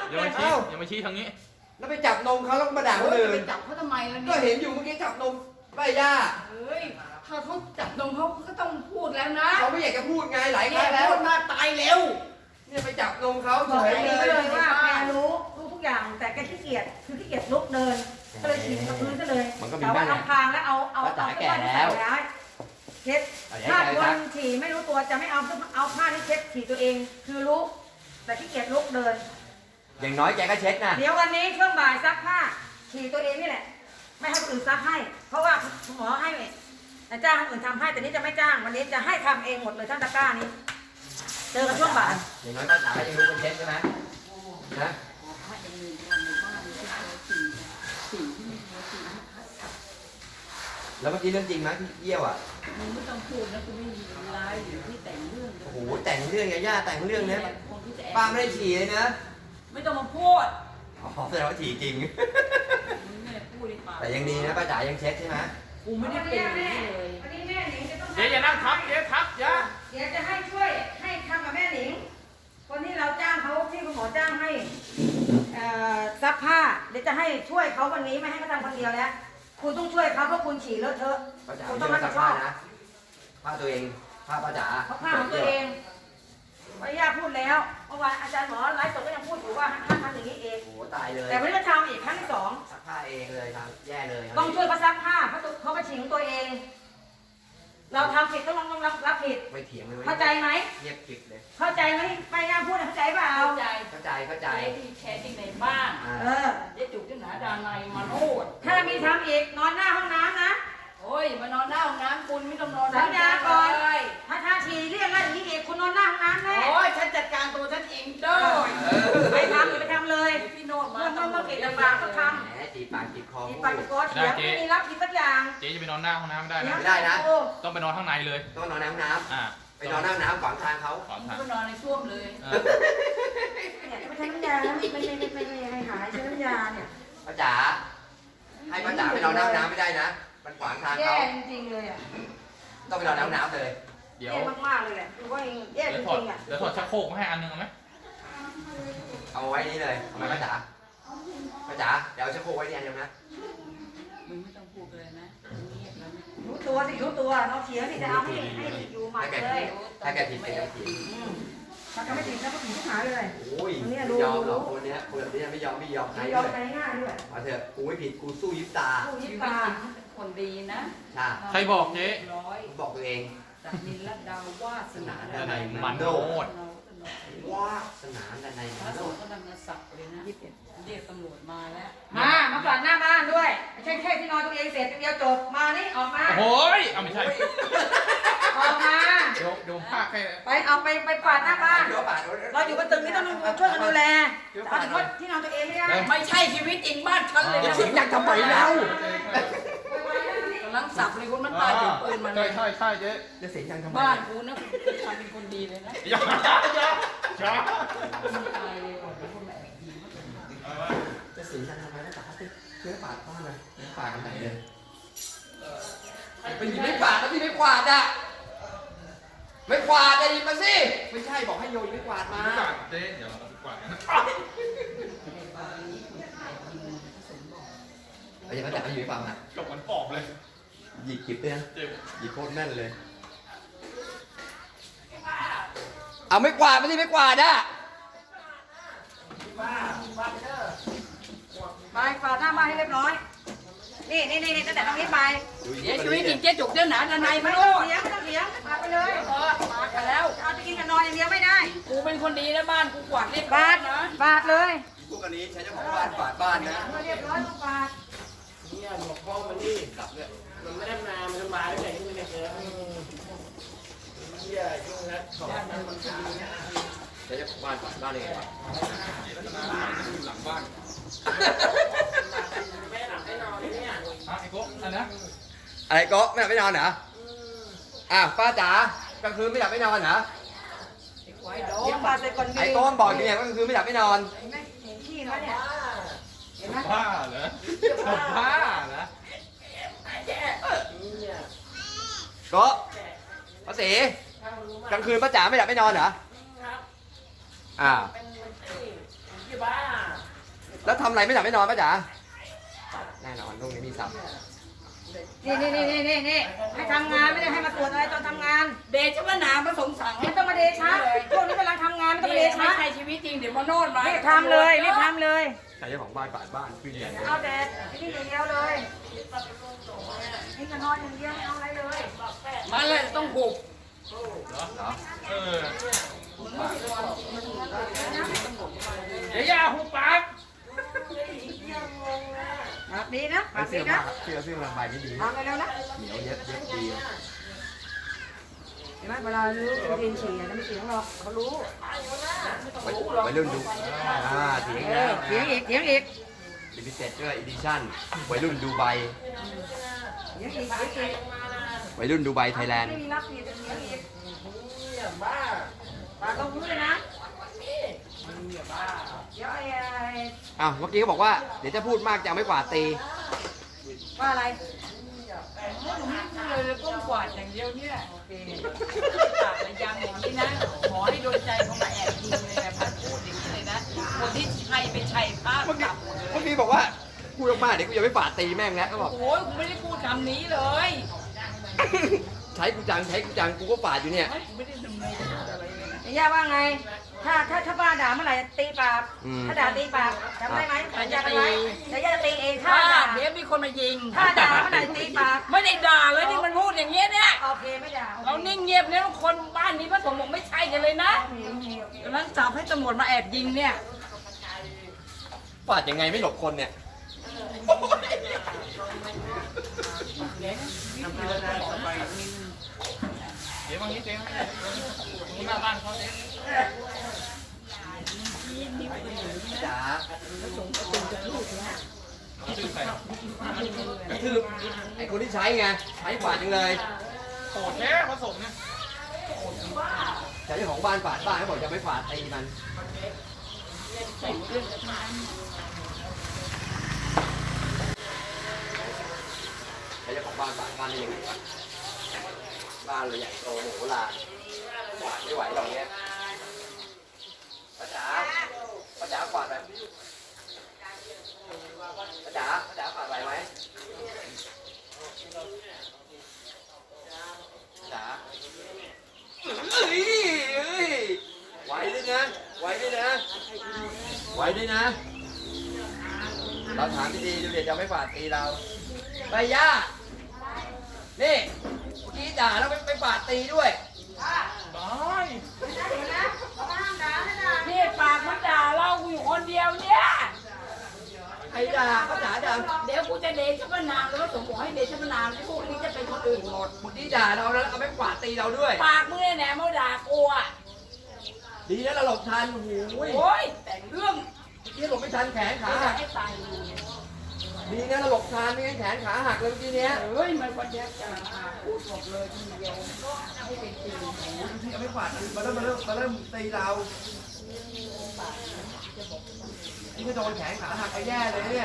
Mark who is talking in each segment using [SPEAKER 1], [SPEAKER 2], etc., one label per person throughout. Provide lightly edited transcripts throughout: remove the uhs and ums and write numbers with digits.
[SPEAKER 1] อย่ามาชี้อย่ามาชี้ทางนี้
[SPEAKER 2] แล้วไปจับนมเขาแล้วก็มาด่าคนอื่น
[SPEAKER 3] ไปจับเขาทำไมล่ะ
[SPEAKER 2] ก็
[SPEAKER 3] เนี่ย
[SPEAKER 2] เห็นอยู่เมื่อกี้จับนมป้าย่า
[SPEAKER 3] เฮ้ยถ้าเขาจับนมเขาก็ต้องพูดแล้วนะ
[SPEAKER 2] เขาไม่อยากจะพูดไงหลายค
[SPEAKER 3] แก
[SPEAKER 2] รั้งแล้ว
[SPEAKER 3] พูดมาตายเร็ว
[SPEAKER 2] เนี่ยไปจับนมเขา
[SPEAKER 4] บอก
[SPEAKER 2] เฉย
[SPEAKER 4] แก
[SPEAKER 2] เล
[SPEAKER 4] เลย ยว่าแกรู้ทุกอย่างแต่แกขี้เกียจคือขี้เกียจลุกเดินก็เลยฉีดกับพื้นซะเลยแต่ว่าเอาพางแล้วเอาผ้าใส่ร้ายเช็ดถ้าคนฉี่ไม่รู้ตัวจะไม่เอาผ้าที่เช็ดฉี่ตัวเองคือรู้แต่ขี้เกียจลุกเดิน
[SPEAKER 2] อย่างน้อยแกก็เช็ดนะ
[SPEAKER 4] เดี๋ยววันนี้ช่วงบ่ายซักผ้าฉี่ตัวเองนี่แหละไม่ให้คนอื่นซักให้ เพราะว่าคุณหมอให้จ้างคนอื่นทำให้แต่นี้จะไม่จ้างวันนี้จะให้ทำเองหมดเลยทั้งตะกร้านี้เจอกันช่วงบ่าย
[SPEAKER 2] อย่างน้อยป้าจ๋าก็ยังรู้คนเช็ดใช่ไหมนะ
[SPEAKER 3] ถ้าเองมีงานในบ้านที่เขาสิ่งที่ไม่เขาสิ่งที่เขาท
[SPEAKER 2] แล้วเมื่อกี้เรื่องจริงไหมที่เยี่ยวอ่ะ
[SPEAKER 3] ำมึงไม่ต้องพูดนะกูไม่มีไลน์อยู่ที่แต่งเรื่อง
[SPEAKER 2] โอ้โหแต่งเรื่องไงย่าแต่งเรื่องเนี้ย
[SPEAKER 3] คนที่จะ
[SPEAKER 2] ป้าไม่ได้ฉี่เลยนะ
[SPEAKER 3] ไม่ต้องมาพูด
[SPEAKER 2] อ๋อแสดงว่าฉี่จริง
[SPEAKER 3] มึงไม่ได้พูดในปาก
[SPEAKER 2] แต่ยังดีนะป้าจ๋ายังเช็ดใช่ไหม
[SPEAKER 3] กูไม่ได้เป็นอย่างนี้เลย
[SPEAKER 4] วันนี้แม่หนิงจะต้อง
[SPEAKER 1] เจ๊อย่านั่งทับเจ๊ทับอย่า
[SPEAKER 4] เดี๋ยวจะให้ช่วยให้ทำกับแม่หนิงคนที่เราจ้างเขาที่คุณหมอจ้างให้ซักผ้าเดี๋ยวจะให้ช่วยเขาวันนี้ไม่ให้เขาทำคนเดียวแล้วคุณต้องช่วยเขาเพราะคุณฉี่เลอะเทอะ
[SPEAKER 2] ป้าจ๋า
[SPEAKER 4] คุณ
[SPEAKER 2] ไม่
[SPEAKER 4] ต้อง
[SPEAKER 2] ใช่
[SPEAKER 4] รับ
[SPEAKER 2] ว่า
[SPEAKER 4] ผิ
[SPEAKER 2] ซั
[SPEAKER 4] ด
[SPEAKER 2] ก
[SPEAKER 4] ช
[SPEAKER 2] ผ้า
[SPEAKER 4] อบ
[SPEAKER 2] นะผ้าตัวเองผ้าป้าจ๋า
[SPEAKER 4] เพราะผ้าของตัวเองพยาพูดแล้วเมื่อวานอาจารย์หมอไลฟ์สดก็ยังพูดอยู่ว่าห้ามทำอย่างนี้เอง
[SPEAKER 2] โอ้โหตายเลย
[SPEAKER 4] แต่วันนี้ก็ทำอีกครั้งที่สอง
[SPEAKER 2] ซักผ้าเองเลยทำแย่เลย
[SPEAKER 4] ต้องช่วยเขาซักผ้าเพราะเขามาฉี่ของตัวเอง เราทำผิดต้องรับผิด
[SPEAKER 2] ไม่เถียงเลย
[SPEAKER 4] เข้าใจไหม
[SPEAKER 2] เงียบกริบเลย
[SPEAKER 4] เข้าใจไหมไปงานพูดเข้าใจเปล่า
[SPEAKER 3] เข้าใจ
[SPEAKER 2] เข้าใจเข้าใจ
[SPEAKER 3] เจ๊ที่แชร์ที่ในบ้าน
[SPEAKER 2] อ่า
[SPEAKER 4] เออ
[SPEAKER 3] เจ๊จุกที่หนาดานายมาโนด
[SPEAKER 4] ถ้ามีทำอีกนอนหน้าห้องน้ำนะ
[SPEAKER 3] โอ้ยมานอนหน้าห้องน้ำคุณไม่ต้องนอน
[SPEAKER 4] สัญญาก่อน
[SPEAKER 3] เลย
[SPEAKER 4] ถ้าฉี่เรียกแล้วอย่างนี้อีกคุณนอนหน้าห้องน้ำแน่
[SPEAKER 3] โอ้ยฉันจัดการตัวฉันเองได้
[SPEAKER 4] ไปทำอย่าไปทำเลย
[SPEAKER 3] พี่โนดมา
[SPEAKER 4] เมื่อเกตลำบากก็ท
[SPEAKER 2] แหมจีบปากจีบคอ
[SPEAKER 4] ำมี
[SPEAKER 2] พู
[SPEAKER 4] ปาก
[SPEAKER 2] ด
[SPEAKER 4] กดเสียงไม่มีรับผิดสักอย่าง
[SPEAKER 1] เจ๊จะไปนอนหน้าห้องน้ำไม่ได้นะ
[SPEAKER 2] ไม่ได้นะ
[SPEAKER 4] โอ้
[SPEAKER 1] ต้องไปนอนข้างในเลย
[SPEAKER 2] ต้องนอนในห้องน้
[SPEAKER 1] อ่า
[SPEAKER 2] ำไปนอนหน้าห้องน้ำขวางทางเขา
[SPEAKER 1] ขวางทาง
[SPEAKER 3] ก็นอนในช่วมเลย
[SPEAKER 1] เออ
[SPEAKER 4] เนี่ยไม่ใช่น้ำยานะไม่ให้หายใช้น้ำยาเนี่ย
[SPEAKER 2] ป้าจ๋าให้ป้าจ๋าไปนอนหน้าห้องน้ำไม่ได้นะ มันขวางทาง
[SPEAKER 4] แย่
[SPEAKER 2] เขา
[SPEAKER 4] จริงๆเลยอ่ะ
[SPEAKER 2] ต้องไปนอนในห้องน้ำเลย
[SPEAKER 1] เดี๋ยว
[SPEAKER 4] แย่มากๆเลยแหละคือว่าแย่
[SPEAKER 1] เดี๋
[SPEAKER 4] จ
[SPEAKER 1] ยวถอด
[SPEAKER 4] ริงๆอ่ะ
[SPEAKER 1] เดี๋ยวถอดชักโครกมาให้อันหนึงเอาไหม
[SPEAKER 2] เอาไว้นี่เลยทำไมป้าจ๋าป้าจ๋าเดี๋ยวเอาชักโครกไว้ที่อันเดียวนะ
[SPEAKER 3] มึงไม่ต้องพูดเลยนะเงียบแล้วนะ
[SPEAKER 4] รู้ตัวสิรู้ตัวเราเสียนี่จะเอาให้อยู่หมัดเลย
[SPEAKER 2] ถ้าแกผิดเป็นแกผิด
[SPEAKER 4] ถ้าเขาไม่ผิดแล้วก็ผิดทุกหายเลย
[SPEAKER 2] โอ้ยไม่ยอมหรอกคนเนี้ยคนแบบนี้ไม่ยอมใคร
[SPEAKER 4] ไม่ย
[SPEAKER 2] เล
[SPEAKER 4] อม
[SPEAKER 2] ย
[SPEAKER 4] ใจง่ายด้วย
[SPEAKER 2] มาเถอะกูไม่ผิดกูสู้ยิบตา
[SPEAKER 4] ผู้ยิ
[SPEAKER 3] ชี
[SPEAKER 4] บ
[SPEAKER 3] วิต
[SPEAKER 4] ตา
[SPEAKER 3] จริงเป็นคนดีนะ
[SPEAKER 2] ใช่
[SPEAKER 1] ใครบอกเจ๊
[SPEAKER 3] ร้อย
[SPEAKER 2] ผมบอกตัวเอง
[SPEAKER 3] จากนินลัดดาววาสนา
[SPEAKER 1] ด้านในมันโนด
[SPEAKER 2] ว่าสนานใน
[SPEAKER 3] พระ
[SPEAKER 2] โล
[SPEAKER 3] สง
[SPEAKER 2] ก
[SPEAKER 3] ฆ์ก็นำมาสับเลยนะเรียกตำรวจมาแล้ว
[SPEAKER 4] มาฝาดหน้าบ้านด้วยไม่ใช่แค่ที่นอนตัวเองเสร็จเดียวจบมานี่ออกมา
[SPEAKER 1] โอ้ยเอาไม่ใช่
[SPEAKER 4] ออกมา
[SPEAKER 1] เดี๋ยวผมพากให้
[SPEAKER 4] ไปฝาดหน้าบ้าน
[SPEAKER 2] เดี๋ยวป่าด
[SPEAKER 4] เราอยู่บนตึกนี้ต้องช่วยกันดูแลเอาเฉพาะที่นอนตัวเองไม่ได้
[SPEAKER 3] ไม่ใช่ชีวิตจริงบ้านฉันเลย
[SPEAKER 2] จะ
[SPEAKER 3] นะ
[SPEAKER 2] เสียงดังทำไมเล่าก
[SPEAKER 3] ำลังสับเลยคนมันตายถึงปืนมัน
[SPEAKER 1] ใช่ใช่ใช่เจ๊
[SPEAKER 2] จะเสียงดังทำไม
[SPEAKER 3] บ้านกูนะกูทำเป็นคนดีเลยนะ
[SPEAKER 1] อย่าอย่า
[SPEAKER 3] คนตายเลยคนแม่ดี
[SPEAKER 2] จะเสียงดังทำไมนะป่าดเชื่อป่าดบ้านเลยป่าดกันไหนเลยไปหยิบไม่กวาดแล้วพี่ไม่กวาดอ่ะไม่กวาดจะหยิบมาสิไม่ใช่บอกให้โยนไม่กวาดมา
[SPEAKER 1] เจ๊เดี๋ยวเราไปกวาดกัน
[SPEAKER 2] เอาอย่างนั้นจับให้อยู่ในฝั่งอ่ะ
[SPEAKER 1] จบเหมือนปอบเลย
[SPEAKER 2] หยิบกิบเลยนะ
[SPEAKER 1] เจ็บ
[SPEAKER 2] หยิบโคตรแน่นเลย เอาไม่กวาดไม่ใช่ไม่กวาดอ่ะ
[SPEAKER 4] ไปฝาดหน้าบ้านให้เรียบร้อยนี่ตั้งแต่ตรงนี้ไป
[SPEAKER 3] เสียชีวิตจริงเจ๊จุกเจ้าหนาดานาย
[SPEAKER 4] ไม่
[SPEAKER 3] มา
[SPEAKER 4] ต้
[SPEAKER 3] โน
[SPEAKER 4] อง
[SPEAKER 3] ด
[SPEAKER 4] เลี้ยงฝาดไปเลย
[SPEAKER 3] มากันแล้ว
[SPEAKER 4] เอาจะกินกับนอนอย่างเดียวไม่ได้
[SPEAKER 3] กูเป็นคนดีนะบ้านกูกวาดเรียบร้
[SPEAKER 4] ฝา
[SPEAKER 3] อย
[SPEAKER 4] ด
[SPEAKER 3] นะ
[SPEAKER 4] ฝาดเลย
[SPEAKER 2] พวกอันนี้ใช้เจ้าของบ้านกวาดบ้านนะ
[SPEAKER 4] เรียบร้อยต้องฝาด
[SPEAKER 5] เนี่ยบอกพ่อมันนี่
[SPEAKER 2] กลับเลย
[SPEAKER 5] มันไม่ได้มา มันมาตั้งแต่ที่มันเกิดเฮียยุ่งแล้วของมันมันทำเนี่ย
[SPEAKER 2] ใช้เจ้าของบ้านกวาดบ้านเองวะ
[SPEAKER 1] อยู่หลังบ้าน
[SPEAKER 5] แม่หลับได้นอนเลยเนี่ย
[SPEAKER 1] อ่ะไอ้โก๊ะอันนะ
[SPEAKER 2] อะไรก็ไม่หลับไม่นอนเหรออ้าวป้าจ๋ากลางคืนไม่หลับไม่นอนเหรอ
[SPEAKER 3] ไอ้ควายโด
[SPEAKER 4] เลี้ย
[SPEAKER 3] น
[SPEAKER 4] งฝาดใส่ก่อนดี
[SPEAKER 2] ไอ้โต้มบอกอยู่เนี่ยว่ากลางคืนไม่หลับไม่นอน
[SPEAKER 4] เห็นไหมเห็นขี้ไหมเนี่ยเห็นไหม
[SPEAKER 1] บ้าเหรอบ้าเหรอ
[SPEAKER 5] เนี่ย
[SPEAKER 2] ก็ป้าศรีกลางคืนป้าจ๋าไม่หลับไม่นอนเหรอ
[SPEAKER 5] ครับ
[SPEAKER 2] อ้าว
[SPEAKER 5] เป็นที่บ้า
[SPEAKER 2] แล้วทำอะไรไม่หลับไม่นอนป้าจ๋าแน่นอนลูกนี้มีสับ
[SPEAKER 4] นี่ให้ทำงานไม่ได้ให้มาตรวจอะไรตอนทำงาน
[SPEAKER 3] เดชะนาพระสงฆ์สั่ง
[SPEAKER 4] ไม่ต้องมาเดชะช่วงนี้กำลังทำงานไม่ต้องมาเด
[SPEAKER 3] ไม่
[SPEAKER 4] ชะ
[SPEAKER 3] ใช่ชีวิตจริงเดี๋ยวมาโน่นมา
[SPEAKER 4] รีบทำเลยรีบทำเลย
[SPEAKER 2] ใครเจ้าของบ้านปาดบ้านขึ้นใหญ่
[SPEAKER 4] เอาแต่นี่อย่างเดียวเลยนี่จะนอนอย่างเดียวไม่เอาอะไรเลย
[SPEAKER 3] มาเลยต้องหุบ
[SPEAKER 2] เหรอ
[SPEAKER 1] เออ
[SPEAKER 3] เดี๋ยวอย่าหุบปาก
[SPEAKER 4] ปากดีนะปาก
[SPEAKER 2] เสื้
[SPEAKER 4] ดี
[SPEAKER 2] อ
[SPEAKER 4] นะ
[SPEAKER 2] มากเสื้อระบายไม่ดี
[SPEAKER 4] ทำไปแล้วนะ
[SPEAKER 2] เหนียวเย็บดี
[SPEAKER 4] เห็นไหมเวลารู้เรียนฉี่ไม่เสียงหรอกเขารู้
[SPEAKER 2] วัยรุ่นดูเถียงแล้ว
[SPEAKER 4] เสียงอีกเสียงอีก
[SPEAKER 2] ลิมิเต็ดด้วยอีดิชั่นวัยรุ่นดูไบ
[SPEAKER 4] เสียงอีกเสียงอีก
[SPEAKER 2] วัยรุ่นดูไบไทยแลนด์
[SPEAKER 4] ไม่มีรับผิดเสียงอีก
[SPEAKER 5] เนี่ยบ้า
[SPEAKER 4] ปากลงพื้นเลยนะ
[SPEAKER 5] เนี่ยบ้า
[SPEAKER 4] เดี๋ยว
[SPEAKER 2] อ้าวเมื่อกี้เขาบอกว่าเดี๋ยวจะพูดมากจะไม่กวาดตี
[SPEAKER 4] ว่าอะไร
[SPEAKER 3] เลยก้มกวาดอย่างเดียวเนี่ย
[SPEAKER 4] โอเค
[SPEAKER 3] ปากระยังอย่างนี้นะขอให้โดนใจเขามาแอบยิงเลยนะพัดพูดอย่างนี้เลยนะคนที่ใช่เป็นชัยภาพ
[SPEAKER 2] เมื่อกี้
[SPEAKER 3] กลับหมดเลย
[SPEAKER 2] เมื่อกี้บอกว่าพูดมากๆเดี๋ยวกูจะไม่กวาดตีแม่งแล้วก็บอก
[SPEAKER 3] โอ้ยกูไม่ได้พูดคำนี้เลย
[SPEAKER 2] ใช้กูจังกูก็ปาดอยู่เนี่ย
[SPEAKER 3] กูไม่ได้ดำเนินอะไรเลยนะ
[SPEAKER 4] ย่าว่าไง ถ้าป้าด่าเมื่อไหร่ตีปาก ถ้าด่าตีปากจำได้ไหมสัญญากันไว้เดี๋ยวย่าจะตีเองถ้า
[SPEAKER 3] ถ้า
[SPEAKER 4] ด่า
[SPEAKER 3] เดี๋ยวมีคนมายิง
[SPEAKER 4] ถ้าด่าเมื่อไหร่ตีปาก
[SPEAKER 3] ไม่ได้ด่าเลยที่มันพูดอย่างเงี้ยเนี่ย
[SPEAKER 4] โอเคไม่ด่า
[SPEAKER 3] เรานิ่งเงียบเนี่ยคนบ้านนี้พระสงฆ์บอกไม่ใช่กันเลยนะกำลังจับให้ตำรวจมาแอบยิงเนี่ย
[SPEAKER 2] ปาดยังไงไม่หลบคนเนี่ย
[SPEAKER 1] เดี๋ยวบางทีเจ๊ไม่ได้มึงหน้าบ้านเขาเจ๊
[SPEAKER 2] จ๋า
[SPEAKER 1] ชื่อใคร
[SPEAKER 2] คือไอคนที่ใช้ไงใช้ปาดจังเลย
[SPEAKER 1] โหดแท้ผสมเนี่ย
[SPEAKER 2] แต่เจ้าของบ้านปาดบ้านเขาบอกจะไม่ปาดตีมันแต่เจ้าของบ้านปาดบ้านได้ยังไงวะบ้านเราใหญ่โตโหฬารปาดไม่ไหวหรอกเนี้ยป้าจ๋ากวาดแบบป้าจ๋ากวาดไหวไหมจ๋าเอ้ยไหวด้วยนะไหวด้วยนะไหวด้วยนะเราถามดีๆดูเด็กจะไม่ฝาดตีเราไปย่านี่เมื่อกี้ด่าแล้วไปฝาดตีด้วย
[SPEAKER 1] ได้
[SPEAKER 3] นี่ปากมันด่าเรากูอยู่คนเดียวเนี่ย
[SPEAKER 2] ใครด่าป้าจ๋าด่า
[SPEAKER 3] เดี๋ยวกูจะเดชะพนามแล้วก็สมบอกให้เดชะพนามที่พวกนี้จะเป็นคนอื่นหมด
[SPEAKER 2] เมื่อกี้ด่าเราแล้วเอาไปฝาดตีเราด้วย
[SPEAKER 3] ปากมึงเนี่ยแหนมาด่ากูอ่ะ
[SPEAKER 2] ดีนะเราหลบทันโอ้โห
[SPEAKER 3] โอ้ยแต่งเรื่อง
[SPEAKER 2] เมื่อกี้หลบไม่ทันแขนขา
[SPEAKER 3] จะ
[SPEAKER 2] หัก
[SPEAKER 3] ให้ตายอยู่
[SPEAKER 2] ดีนะเราหลบทันไม่งั้นแขนขาหักเลยเมื่อกี้เนี้ย
[SPEAKER 3] เฮ้ยมันวันเดียวจะพูดหมดเลยทีเดียวให้เป็นจริง
[SPEAKER 2] ที่เอาไปฝาดมาเริ่มตีเรานี่ก็โดนแขนขาหักไปแย่เลยเนี่ย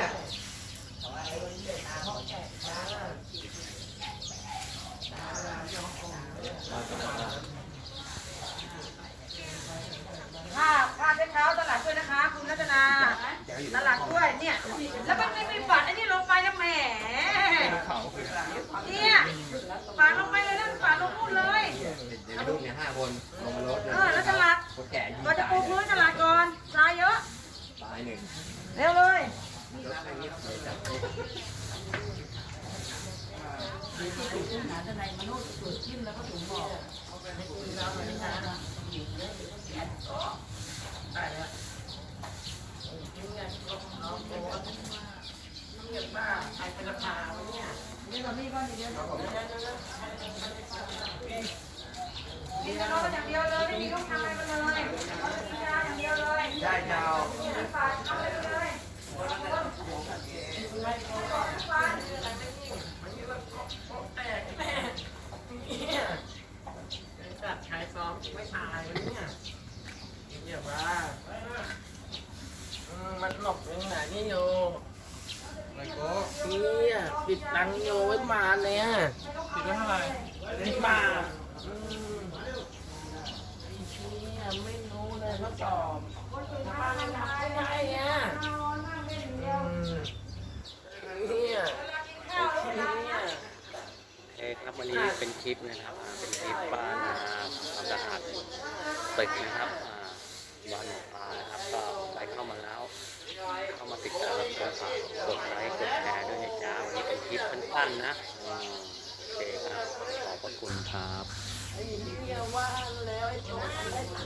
[SPEAKER 4] ค่าเช็ดเท้าตลาดด้วยนะคะคุณรัตนาตลาดด้วยเนี่ยแล้วมันไม่ปัดไอ้นี่ลงไปนะแหม
[SPEAKER 1] เขาคือ
[SPEAKER 4] เนี่ยปาดลงไปเลยนะปาดลงนู่นเลย
[SPEAKER 2] เดี๋ยวลูกเนี่ย5 คนลงมารถเลย
[SPEAKER 4] แล้วตลาด
[SPEAKER 2] คนแก่ยิง
[SPEAKER 4] เราจะปูพื้นตลาดก่อนทรายเยอะ
[SPEAKER 2] ตายหนึ่ง
[SPEAKER 4] เร็วเลย
[SPEAKER 3] หาทนายมโนดเกิดขึ้นแล้วก็ถึงบอก
[SPEAKER 4] นี่ก่อนนี่ก่อนเดี๋ยวกินกระโดดอย่างเดียวเลยไม่มีต้องทำอะไรมันเลยกินยาอย่างเดียวเลย
[SPEAKER 2] ได้ยาว
[SPEAKER 4] ฝาดทำอะไรเลย
[SPEAKER 5] จัดชายซ้อมไม่ตายมันเนี่ยเนี่ยบ้ามันหลบยังไงนี่โย
[SPEAKER 1] อะไรโก้
[SPEAKER 5] เนี่ยปิดตังโยไว้มาเนี่ย
[SPEAKER 1] ติดไว้เท่าไหร่
[SPEAKER 5] ปิดมาเนี่ยไม่รู้เลยเขาสอบมาไม่ทำได้ไงเนี่ย
[SPEAKER 4] นอนมากไม่
[SPEAKER 6] วันนี้เป็นคลิปนะครับเป็นคลิปบ้านความสะอาดตึกนะครับบ้านหนองปลานะครับก็ใครเข้ามาแล้วเข้ามาติดตามรับชมฝากกดไลค์กดแชร์ด้วยนะจ๊ะวันนี้เป็นคลิปสั้นๆนะโอเคครับขอบพระคุณครับ
[SPEAKER 5] ไอ้เหี้ยว่าแล้วไอ้โจร